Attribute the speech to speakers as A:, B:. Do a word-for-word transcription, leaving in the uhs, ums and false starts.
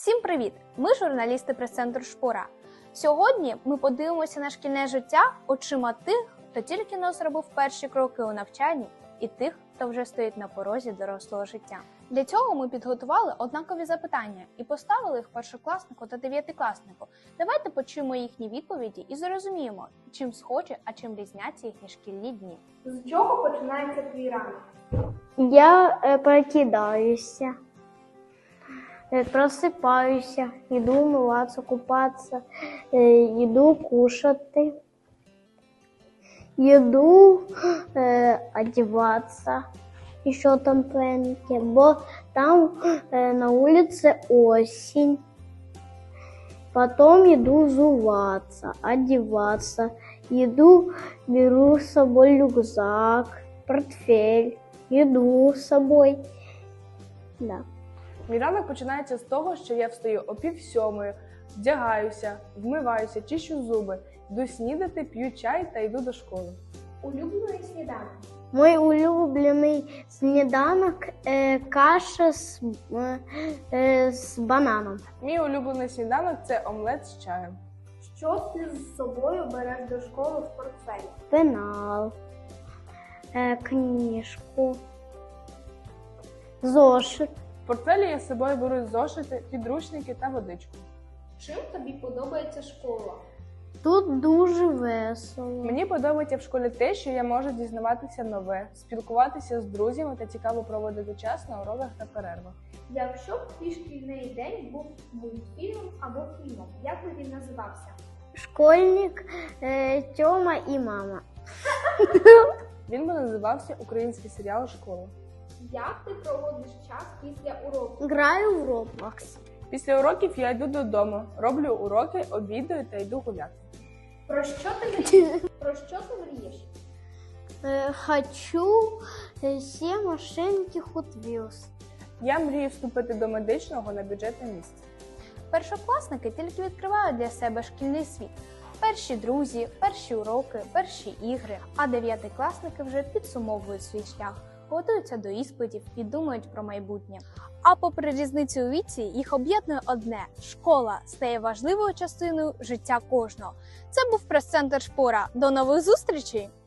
A: Всім привіт! Ми журналісти прес-центру Шпора. Сьогодні ми подивимося на шкільне життя очима тих, хто тільки но зробив перші кроки у навчанні, і тих, хто вже стоїть на порозі дорослого життя. Для цього ми підготували однакові запитання і поставили їх першокласнику та дев'ятикласнику. Давайте почуємо їхні відповіді і зрозуміємо, чим схожі, а чим різняться їхні шкільні дні.
B: З чого починається твій ранок?
C: Я е, прокидаюся, е, просипаюся, йду умиватися, купатися, е, йду кушати, йду е, одягатися, і що там пеньке, бо там е, на вулиці осінь. Потом иду зуваться, одеваться, иду, беру с собой рюкзак, портфель, еду с собой. Да.
B: Мій ранок починається з того, що я встаю о пів сьомої, вдягаюся, вмиваюся, чищу зуби, йду снідати, п'ю чай та йду до школи.
A: Улюблений сніданок.
C: Мой улюблений сніданок е, каша з, е, е, з бананом.
B: Мій улюблений сніданок – це омлет з чаєм.
A: Що ти з собою береш до школи в портфелі?
C: Пенал, е, книжку, зошит.
B: В портфелі я з собою беру зошити, підручники та водичку.
A: Чим тобі подобається школа?
C: Тут дуже весело.
B: Мені подобається в школі те, що я можу дізнаватися нове, спілкуватися з друзями та цікаво проводити час на уроках та перервах.
A: Якщо б твій шкільний день був мультфільмом або фільмом, як би він називався?
C: Школьник, е, Тьома і мама.
B: Він би називався «Український серіал Школа».
A: Як ти проводиш час після уроків?
C: Граю в Roblox.
B: Після уроків я йду додому, роблю уроки, обідаю та йду гуляти.
A: Про що ти мрієш? Про що ти мрієш?
C: Е, хочу е, всі машинки Hot Wheels.
B: Я мрію вступити до медичного на бюджетне місце.
A: Першокласники тільки відкривають для себе шкільний світ. Перші друзі, перші уроки, перші ігри, а дев'ятикласники вже підсумовують свій шлях, готуються до іспитів і думають про майбутнє. А попри різницю у віці, їх об'єднує одне – школа стає важливою частиною життя кожного. Це був прес-центр Шпора. До нових зустрічей!